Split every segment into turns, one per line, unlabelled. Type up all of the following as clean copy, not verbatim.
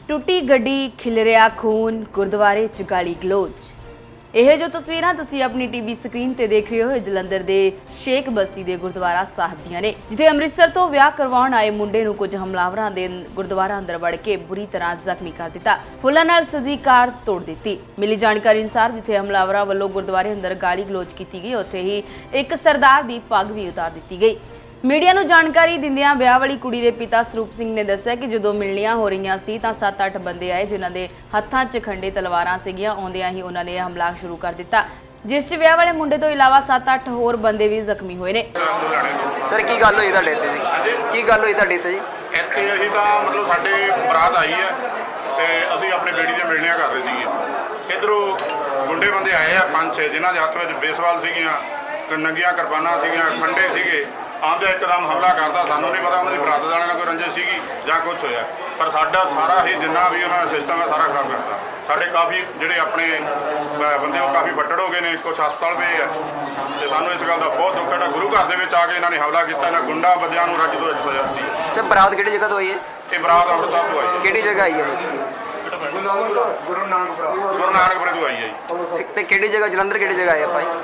टुटी गड्डी खिलरिया खून गुरुद्वारे च गाली गलोच। ਇਹ ਜੋ ਤਸਵੀਰਾਂ ਤੁਸੀਂ ਆਪਣੀ ਟੀਵੀ ਸਕਰੀਨ ਤੇ ਦੇਖ ਰਹੇ ਹੋ ਜਲੰਧਰ ਦੇ ਸ਼ੇਖ ਬਸਤੀ ਦੇ ਗੁਰਦੁਆਰਾ ਸਾਹਿਬ ਦੀਆਂ ਨੇ, ਜਿੱਥੇ ਅੰਮ੍ਰਿਤਸਰ ਤੋਂ ਵਿਆਹ ਕਰਵਾਉਣ ਆਏ ਮੁੰਡੇ ਨੂੰ ਕੁਝ ਹਮਲਾਵਰਾਂ ਦੇ ਗੁਰਦੁਆਰਾ ਅੰਦਰ ਵੜ ਕੇ ਬੁਰੀ ਤਰ੍ਹਾਂ ਜ਼ਖਮੀ ਕਰ ਦਿੱਤਾ। ਫੁੱਲਾਂ ਨਾਲ ਸਜੀ ਕਾਰ ਤੋੜ ਦਿੱਤੀ। ਮਿਲੀ ਜਾਣਕਾਰੀ ਅਨੁਸਾਰ ਜਿੱਥੇ ਹਮਲਾਵਰਾਂ ਵੱਲੋਂ ਗੁਰਦੁਆਰੇ ਅੰਦਰ ਗਾਲੀ ਗਲੋਚ ਕੀਤੀ ਗਈ, ਉੱਥੇ ਹੀ ਇੱਕ ਸਰਦਾਰ ਦੀ ਪੱਗ ਵੀ ਉਤਾਰ ਦਿੱਤੀ ਗਈ। मीडिया ਨੂੰ ਜਾਣਕਾਰੀ ਦਿੰਦਿਆਂ ਵਿਆਹ ਵਾਲੀ ਕੁੜੀ ਦੇ ਪਿਤਾ ਸਰੂਪ ਸਿੰਘ ਨੇ ਦੱਸਿਆ ਕਿ ਜਦੋਂ ਮਿਲਣੀਆਂ ਹੋ ਰਹੀਆਂ ਸੀ ਤਾਂ 7-8 ਬੰਦੇ ਆਏ, ਜਿਨ੍ਹਾਂ ਦੇ ਹੱਥਾਂ 'ਚ ਖੰਡੇ ਤਲਵਾਰਾਂ ਸੀਗੀਆਂ। ਆਉਂਦਿਆਂ ਹੀ ਉਹਨਾਂ ਨੇ ਹਮਲਾ ਸ਼ੁਰੂ ਕਰ ਦਿੱਤਾ, ਜਿਸ 'ਚ ਵਿਆਹ ਵਾਲੇ ਮੁੰਡੇ ਤੋਂ ਇਲਾਵਾ 7-8 ਹੋਰ ਬੰਦੇ ਵੀ ਜ਼ਖਮੀ ਹੋਏ ਨੇ।
ਸਰ ਕੀ ਗੱਲ ਹੋਈ ਤੁਹਾਡੇ ਇੱਥੇ ਜੀ? ਕੀ ਗੱਲ ਹੋਈ ਤੁਹਾਡੇ ਇੱਥੇ ਜੀ?
ਇੱਥੇ ਅਸੀਂ ਤਾਂ ਮਤਲਬ ਸਾਡੇ ਬਰਾਤ ਆਈ ਹੈ ਤੇ ਅਸੀਂ ਆਪਣੇ ਬੇੜੀ ਦੀਆਂ ਮਿਲਣੀਆਂ ਕਰ ਰਹੇ ਸੀਗੇ। ਇੱਧਰੋਂ ਗੁੰਡੇ ਬੰਦੇ ਆਏ ਆ 5-6, ਜਿਨ੍ਹਾਂ ਦੇ ਹੱਥ ਵਿੱਚ ਬੇਸਵਾਲ ਸੀਗੀਆਂ, ਨੰਗੀਆਂ ਕਿਰਪਾਨਾਂ ਸੀਗੀਆਂ, ਖੰਡੇ ਸੀਗੇ। ਆਉਂਦੇ ਇੱਕਦਮ ਹਮਲਾ ਕਰਦਾ। ਸਾਨੂੰ ਨਹੀਂ ਪਤਾ ਉਹਨਾਂ ਦੀ ਬਰਾਤ ਵਾਲਿਆਂ ਨਾਲ ਕੋਈ ਰੰਜਿਸ਼ ਸੀਗੀ ਜਾਂ ਕੁਝ ਹੋਇਆ, ਪਰ ਸਾਡਾ ਸਾਰਾ ਹੀ ਜਿੰਨਾ ਵੀ ਉਹਨਾਂ ਦਾ ਸਿਸਟਮ ਹੈ ਸਾਰਾ ਖਰਾਬ ਕਰਤਾ। ਸਾਡੇ ਕਾਫੀ ਜਿਹੜੇ ਆਪਣੇ ਬੰਦੇ ਉਹ ਕਾਫੀ ਫੱਟੜ ਹੋ ਗਏ ਨੇ, ਕੁਝ ਹਸਪਤਾਲ ਪਏ ਆ ਤੇ ਸਾਨੂੰ ਇਸ ਗੱਲ ਦਾ ਬਹੁਤ ਦੁੱਖ ਹੈ। ਗੁਰੂ ਘਰ ਦੇ ਵਿੱਚ ਆ ਕੇ ਇਹਨਾਂ ਨੇ ਹਮਲਾ ਕੀਤਾ। ਇਹਨਾਂ ਗੁੰਡਾ ਬੰਦਿਆਂ ਨੂੰ ਰੱਜ ਤੋਂ ਰੱਜ ਸਜ਼ਾ ਦਿੱਤੀ।
ਸਰ ਬਰਾਤ ਕਿਹੜੀ ਜਗ੍ਹਾ ਤੋਂ ਆਈ ਹੈ?
ਇਹ ਬਰਾਤ ਅੰਮ੍ਰਿਤਸਰ ਤੋਂ ਆਈ ਹੈ।
ਕਿਹੜੀ ਜਗ੍ਹਾ ਆਈ ਹੈ ਜੀ?
ਗੁਰੂ ਨਾਨਕਪੁਰੇ ਤੋਂ ਆਈ ਹੈ ਜੀ।
ਤੇ ਕਿਹੜੀ ਜਗ੍ਹਾ ਜਲੰਧਰ ਕਿਹੜੀ ਜਗ੍ਹਾ ਆਏ ਭਾਈ?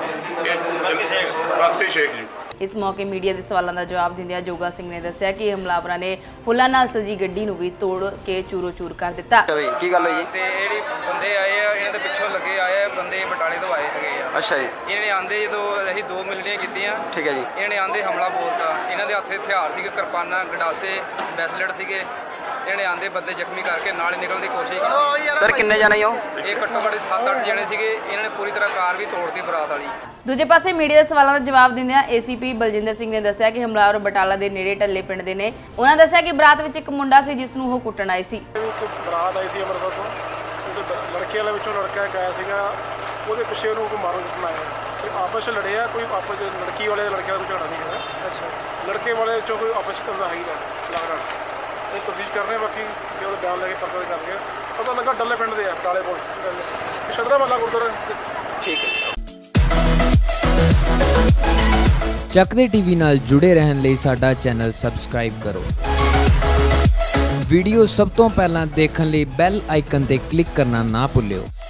ਬਸਤੀ ਸ਼ੇਖ ਜੀ।
ਇਸ ਮੌਕੇ ਮੀਡੀਆ ਦੇ ਸਵਾਲਾਂ ਦਾ ਜਵਾਬ ਦਿੰਦਿਆਂ ਜੋਗਾ ਸਿੰਘ ਨੇ ਦੱਸਿਆ ਕਿ ਹਮਲਾਵਰਾਂ ਨੇ ਫੁੱਲਾਂ ਨਾਲ ਸਜੀ ਗੱਡੀ ਨੂੰ ਵੀ ਤੋੜ ਕੇ ਚੂਰੋ-ਚੂਰ ਕਰ ਦਿੱਤਾ।
ਕੀ ਗੱਲ ਹੋਈ ਜੀ?
ਤੇ ਜਿਹੜੀ ਬੰਦੇ ਆਏ ਆ ਇਹਨਾਂ ਦੇ ਪਿੱਛੋਂ ਲੱਗੇ ਆਏ ਆ ਬੰਦੇ ਬਟਾਲੇ ਤੋਂ ਆਏ ਹੈਗੇ ਆ।
ਅੱਛਾ ਜੀ।
ਇਹਨਾਂ ਨੇ ਆਂਦੇ ਜਦੋਂ ਅਸੀਂ 2 ਮਿਲਣੀਆਂ ਕੀਤੀਆਂ,
ਠੀਕ ਹੈ ਜੀ।
ਇਹਨਾਂ ਨੇ ਆਂਦੇ ਹਮਲਾ ਬੋਲਤਾ। ਇਹਨਾਂ ਦੇ ਹੱਥੇ ਹਥਿਆਰ ਸੀਗੇ, ਕਿਰਪਾਨਾਂ, ਗੰਡਾਸੇ, ਬੈਸਲੇਟ ਸੀਗੇ। ਇਹਨਾਂ ਨੇ ਆਂਦੇ ਬੰਦੇ ਜ਼ਖਮੀ ਕਰਕੇ ਨਾਲ ਹੀ ਨਿਕਲਣ ਦੀ ਕੋਸ਼ਿਸ਼ ਕੀਤੀ।
ਸਰ ਕਿੰਨੇ ਜਾਣੇ ਹੋ?
ਇਹ ਘੱਟੋ ਘੱਟ 7-8 ਜਣੇ ਸੀਗੇ। ਇਹਨਾਂ ਨੇ ਪੂਰੀ ਤਰ੍ਹਾਂ ਕਾਰ ਵੀ ਤੋੜਤੀ ਬਰਾਤ ਵਾਲੀ।
ਦੂਜੇ ਪਾਸੇ ਮੀਡੀਆ ਦੇ ਸਵਾਲਾਂ ਦਾ ਜਵਾਬ ਦਿੰਦਿਆਂ ਏਸੀਪੀ ਬਲਜਿੰਦਰ ਸਿੰਘ ਨੇ ਦੱਸਿਆ ਕਿ ਹਮਲਾਵਰ ਬਟਾਲਾ ਦੇ ਨੇੜੇ ਢੱਲੇ ਪਿੰਡ ਦੇ ਨੇ। ਉਹਨਾਂ ਦੱਸਿਆ ਕਿ ਬਰਾਤ ਵਿੱਚ ਇੱਕ ਮੁੰਡਾ ਸੀ ਜਿਸ ਨੂੰ ਉਹ ਕੁੱਟਣ ਆਏ ਸੀ।
ਇੱਕ ਬਰਾਤ ਆਈ ਸੀ ਅੰਮ੍ਰਿਤਸਰ ਤੋਂ, ਉਹਦੇ ਲੜਕੇ ਵਾਲੇ ਵਿੱਚੋਂ ਲੜਕਾ ਇੱਕ ਆਇਆ ਸੀਗਾ, ਉਹਦੇ ਪਿੱਛੇ ਉਹਨੂੰ ਕੋਈ ਮਾਰਨ ਕੁੱਟਣ ਆਇਆ ਤੇ ਆਪਸ 'ਚ ਲੜੇ ਆ। ਕੋਈ ਆਪਸ 'ਚ ਲੜਕੀ ਵਾਲੇ ਲੜਕੇ ਦਾ ਕੋਈ ਝਗੜਾ ਨਹੀਂ ਹੈਗਾ। ਅੱਛਾ, ਲੜਕੇ ਵਾਲੇ ਵਿੱਚੋਂ ਕੋਈ ਆਪਸ 'ਚ ਕਰਦਾ ਹੈ ਹੀ ਲੱਗਦਾ। ਇਹ ਤਫਤੀਸ਼ ਕਰ ਰਹੇ ਬਾਕੀ ਜੇ ਉਹਦਾ ਬਿਆਨ ਲੈ ਕੇ ਪਰਚਾ ਕਰਕੇ ਪਤਾ ਲੱਗਾ ਡੱਲੇ ਪਿੰਡ ਦੇ ਆ, ਬਟਾਲੇ ਕੋਲ ਸ਼ਦਰਾ ਮਹੱਲਾ ਗੁਰਦੁਆਰਾ। ਠੀਕ ਹੈ।
ਚੱਕਦੇ ਟੀਵੀ ਨਾਲ ਜੁੜੇ ਰਹਿਣ ਲਈ ਸਾਡਾ ਚੈਨਲ ਸਬਸਕ੍ਰਾਈਬ ਕਰੋ। ਵੀਡੀਓ ਸਭ ਤੋਂ ਪਹਿਲਾਂ ਦੇਖਣ ਲਈ ਬੈਲ ਆਈਕਨ ਤੇ ਕਲਿੱਕ ਕਰਨਾ ਨਾ ਭੁੱਲਿਓ।